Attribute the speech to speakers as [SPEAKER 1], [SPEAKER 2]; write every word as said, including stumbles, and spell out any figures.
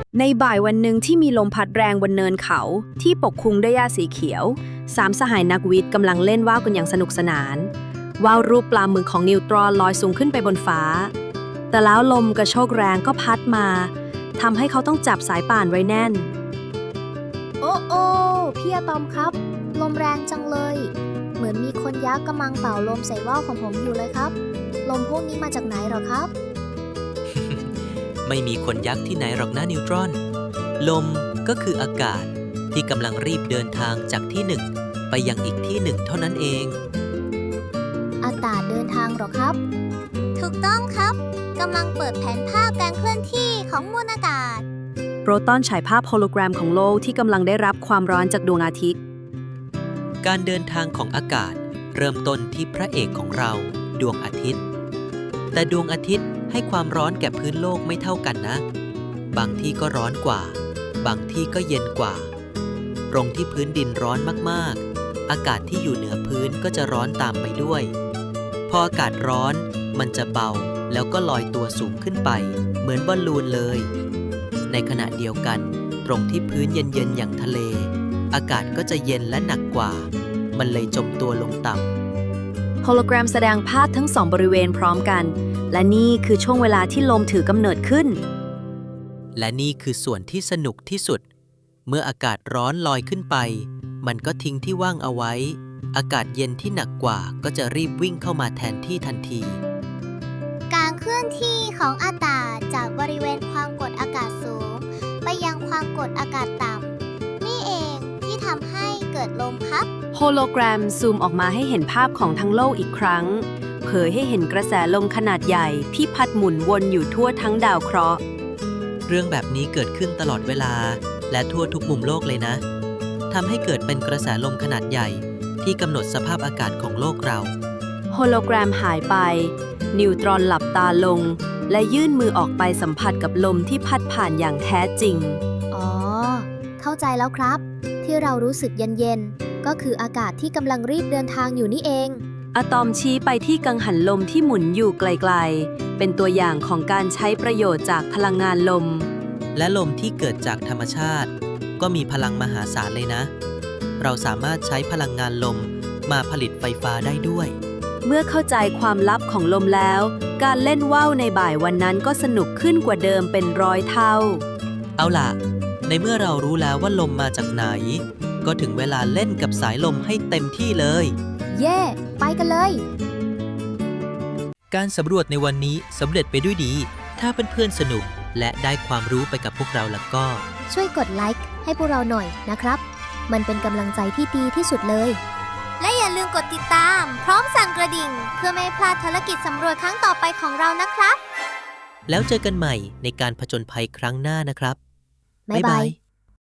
[SPEAKER 1] ในบ่ายวันหนึ่งที่มีลมพัดแรงบนเนินเขาที่ปกคลุมด้วยหญ้าสีเขียวสามสหายนักวิทย์กำลังเล่นว่าวกันอย่างสนุกสนานว่าวรูปปลาหมึกของนิวตรอนลอยสูงขึ้นไปบนฟ้าแต่แล้วลมกระโชกแรงก็พัดมาทำให้เขาต้องจับสายป่านไว้แน่น
[SPEAKER 2] โอ้โอ้พี่อะตอมครับลมแรงจังเลยเหมือนมีคนยักษ์กำลังเป่าลมใส่ว่าวของผมอยู่เลยครับลมพวกนี้มาจากไหนหรอครับ
[SPEAKER 3] ไม่มีคนยักษ์ที่ไหนหรอกนะนิวตรอนลมก็คืออากาศที่กำลังรีบเดินทางจากที่หนึ่งไปยังอีกที่หนึ่งเท่านั้นเอง
[SPEAKER 2] อากาศเดินทางหรอครับถูกต้องครับกำลังเปิดแผนภาพการเคลื่อนที่ของมวลอากาศ
[SPEAKER 1] โปรตอนฉายภาพโฮโลแกรมของโลกที่กำลังได้รับความร้อนจากดวงอาทิตย์
[SPEAKER 3] การเดินทางของอากาศเริ่มต้นที่พระเอกของเราดวงอาทิตย์แต่ดวงอาทิตย์ให้ความร้อนแก่พื้นโลกไม่เท่ากันนะบางที่ก็ร้อนกว่าบางที่ก็เย็นกว่าตรงที่พื้นดินร้อนมากๆอากาศที่อยู่เหนือพื้นก็จะร้อนตามไปด้วยพออากาศร้อนมันจะเบาแล้วก็ลอยตัวสูงขึ้นไปเหมือนบอลลูนเลยในขณะเดียวกันตรงที่พื้นเย็นๆอย่างทะเลอากาศก็จะเย็นและหนักกว่ามันเลยจมตัวลงต่
[SPEAKER 1] ำโฮโลแกรมแสดงภาพทั้งสองบริเวณพร้อมกันและนี่คือช่วงเวลาที่ลมถือกำเนิดขึ้น
[SPEAKER 3] และนี่คือส่วนที่สนุกที่สุดเมื่ออากาศร้อนลอยขึ้นไปมันก็ทิ้งที่ว่างเอาไว้อากาศเย็นที่หนักกว่าก็จะรีบวิ่งเข้ามาแทนที่ทันที
[SPEAKER 2] การเคลื่อนที่ของอากาศจากบริเวณความกดอากาศสูงไปยังความกดอากาศต่ำนี่เองที่ทำให้เกิดลมครับ
[SPEAKER 1] โฮโลแกรมซูมออกมาให้เห็นภาพของทั้งโลกอีกครั้งเผยให้เห็นกระแสลมขนาดใหญ่ที่พัดหมุนวนอยู่ทั่วทั้งดาวเคราะห์
[SPEAKER 3] เรื่องแบบนี้เกิดขึ้นตลอดเวลาและทั่วทุกมุมโลกเลยนะทำให้เกิดเป็นกระแสลมขนาดใหญ่ที่กำหนดสภาพอากาศของโลกเรา
[SPEAKER 1] โฮโลแกรมหายไปนิวตรอนหลับตาลงและยื่นมือออกไปสัมผัสกับลมที่พัดผ่านอย่างแท้จริง
[SPEAKER 2] อ๋อเข้าใจแล้วครับที่เรารู้สึกเย็นๆก็คืออากาศที่กำลังรีบเดินทางอยู่นี่เอง
[SPEAKER 1] อะตอมชี้ไปที่กังหันลมที่หมุนอยู่ไกลๆเป็นตัวอย่างของการใช้ประโยชน์จากพลังงานลม
[SPEAKER 3] และลมที่เกิดจากธรรมชาติก็มีพลังมหาศาลเลยนะเราสามารถใช้พลังงานลมมาผลิตไฟฟ้าได้ด้วย
[SPEAKER 1] เมื่อเข้าใจความลับของลมแล้วการเล่นว่าวในบ่ายวันนั้นก็สนุกขึ้นกว่าเดิมเป็นร้อยเท่า
[SPEAKER 3] เอาล่ะในเมื่อเรารู้แล้วว่าลมมาจากไหนก็ถึงเวลาเล่นกับสายลมให้เต็มที่เลย
[SPEAKER 2] เย่ไปกันเลย
[SPEAKER 3] การสำรวจในวันนี้สำเร็จไปด้วยดีถ้าเพื่อนๆสนุกและได้ความรู้ไปกับพวกเราแล้วก็
[SPEAKER 2] ช่วยกดไลค์ให้พวกเราหน่อยนะครับมันเป็นกำลังใจที่ดีที่สุดเลยและอย่าลืมกดติดตามพร้อมสั่นกระดิ่งเพื่อไม่พลาดภารกิจสำรวจครั้งต่อไปของเรานะครับ
[SPEAKER 3] แล้วเจอกันใหม่ในการผจญภัยครั้งหน้านะครับ
[SPEAKER 2] บ๊ายบาย